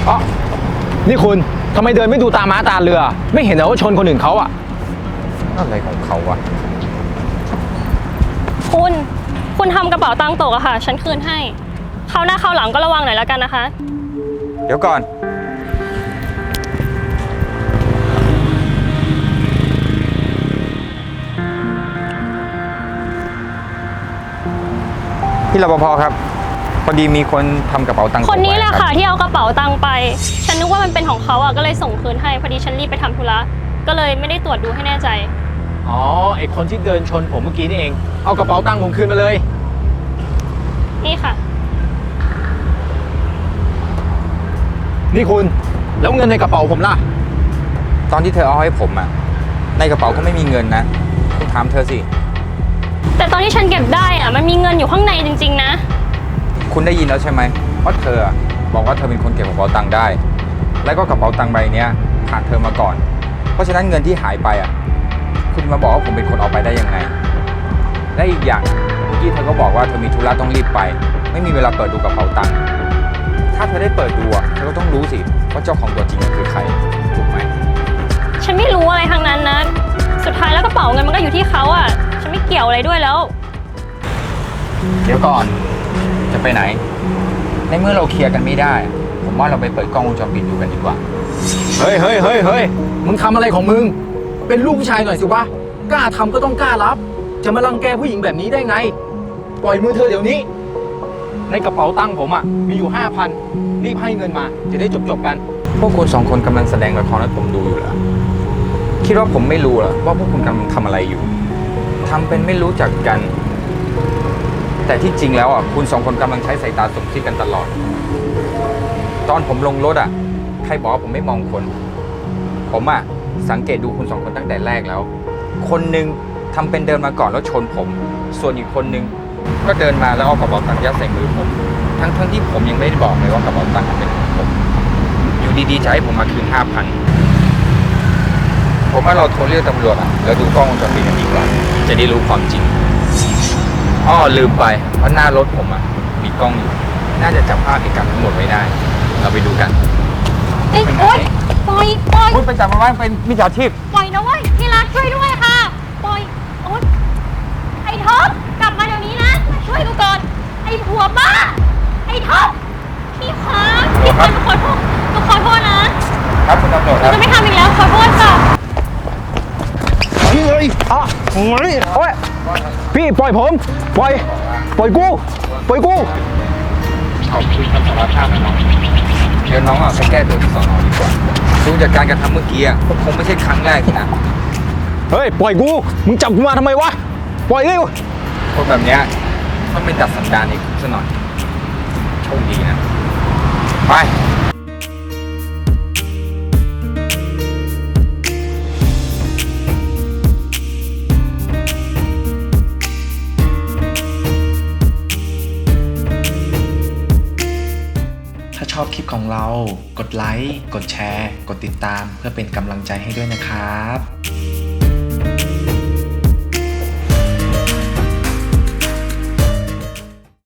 อ๋อนี่คุณทำไมเดินไม่ดูตาม้าตาเรือไม่เห็นเหรอว่าชนคนอื่นเขาอะอะไรของเขาวะคุณทำกระเป๋าตังค์ตกอะค่ะ ฉันคืนให้คราวหน้าคราวหลังก็ระวังหน่อยแล้วกันนะคะเดี๋ยวก่อนพี่รปภครับพอดีมีคนทำกระเป๋าตังค์ตกคนนี้แหละไว้รับค่ะที่เอากระเป๋าตังค์ไป ฉันนึกว่ามันเป็นของเขาอะก็เลยส่งคืนให้พอดีฉันรีบไปทำธุระก็เลยไม่ได้ตรวจดูให้แน่ใจอ๋อไอคนที่เดินชนผมเมื่อกี้นี่เองเอากระเป๋าตังค์ผมคืนมาเลยนี่ค่ะนี่คุณแล้วเงินในกระเป๋าผมล่ะตอนที่เธอเอาให้ผมอะในกระเป๋าก็ไม่มีเงินนะคุณถามเธอสิแต่ตอนที่ฉันเก็บได้อะมันมีเงินอยู่ข้างในจริงๆนะคุณได้ยินแล้วใช่ไหมว่าเธอบอกว่าเธอเป็นคนเก็บกระเป๋าตังค์ได้ แล้วก็กระเป๋าตังค์ใบเนี้ยผ่านเธอมาก่อน เพราะฉะนั้นเงินที่หายไปอ่ะคุณมาบอกว่าผมเป็นคนเอาไปได้ยังไง และอีกอย่างเมื่อกี้เธอก็บอกว่าเธอมีธุระต้องรีบไป ไม่มีเวลาเปิดดูกระเป๋าตังค์ถ้าเธอได้เปิดดูอ่ะเธอก็ต้องรู้สิว่าเจ้าของตัวจริงคือใครถูกไหมฉันไม่รู้อะไรทั้งนั้นนะสุดท้ายแล้วกระเป๋าเงินมันก็อยู่ที่เขาอะฉันไม่เกี่ยวอะไรด้วยแล้วเดี๋ยวก่อนจะไปไหน ในเมื่อเราเคลียร์กันไม่ได้ ผมว่าเราไปเปิดกล้องวงจรปิดดูกันดีกว่าเฮ้ยมึงทำอะไรของมึงเป็นลูกผู้ชายหน่อยสิวะกล้าทำก็ต้องกล้ารับจะมารังแกผู้หญิงแบบนี้ได้ไงปล่อยมือเธอเดี๋ยวนี้ในกระเป๋าตังค์ผมอะมีอยู่ 5,000รีบให้เงินมาจะได้จบกันพวกคุณสองคนกำลังแสดงละครให้ผมดูอยู่เหรอคิดว่าผมไม่รู้เหรอว่าพวกคุณกำลังทำอะไรอยู่ทำเป็นไม่รู้จักกัน แต่ที่จริงแล้วอ่ะคุณสองคนกำลังใช้สายตาสมคิดกันตลอด ตอนผมลงรถอ่ะใครบอกว่าผมไม่มองคน ผมอ่ะสังเกตดูคุณสองคนตั้งแต่แรกแล้ว คนหนึ่งทำเป็นเดินมาก่อนแล้วชนผม ส่วนอีกคนนึงก็เดินมาแล้วเอากระเป๋าตังค์ยัดใส่มือผม ทั้งที่ผมยังไม่ได้บอกเลยว่ากระเป๋าตังค์เป็นของผม อยู่ดีๆจะให้ผมมาคืน 5,000 ผมว่าเราโทรเรียกตำรวจอ่ะแล้วดูกล้องวงจรปิดกันดีกว่าจะได้รู้ความจริงอ้อลืมไปว่าหน้ารถผมอ่ะมีกล้องอยู่ น่าจะจับภาพเหตุการณ์ทั้งหมดไว้ได้ เราไปดูกันเอ้ยโอ๊ยปล่อยพูดไปจับมาว่าเป็นมิจฉาชีพปล่อยนะเว้ยที่รักช่วยด้วยค่ะปล่อยโอ๊ยไอ้ท็อปกลับมาเดี๋ยวนี้นะมาช่วยกูก่อนไอ้ผัวบ้าไอ้ท็อปพี่คะพี่คะหนูขอโทษนะครับคุณตำรวจหคนูรับจะไม่ทำอีกแล้วขอโทษค่ะเฮ้ยอ่ะโอ้ยพี่ปล่อยผมปล่อยกูขอบคุณคำสารภาพนะน้องเดี๋ยวน้องอ่ะไปแก้ตัวที่สอนอดีกว่าดูจากการกระทำเมื่อกี้อ่ะคงไม่ใช่ครั้งแรกนะเฮ้ยปล่อยกูมึงจับกูมาทำไมวะปล่อยเร็วคนแบบเนี้ยต้องเป็นดัดสันดานอีกซะหน่อยโชคดีนะไปถ้าชอบคลิปของเรา กดไลค์ กดแชร์ กดติดตามเพื่อเป็นกำลังใจให้ด้วยนะครับ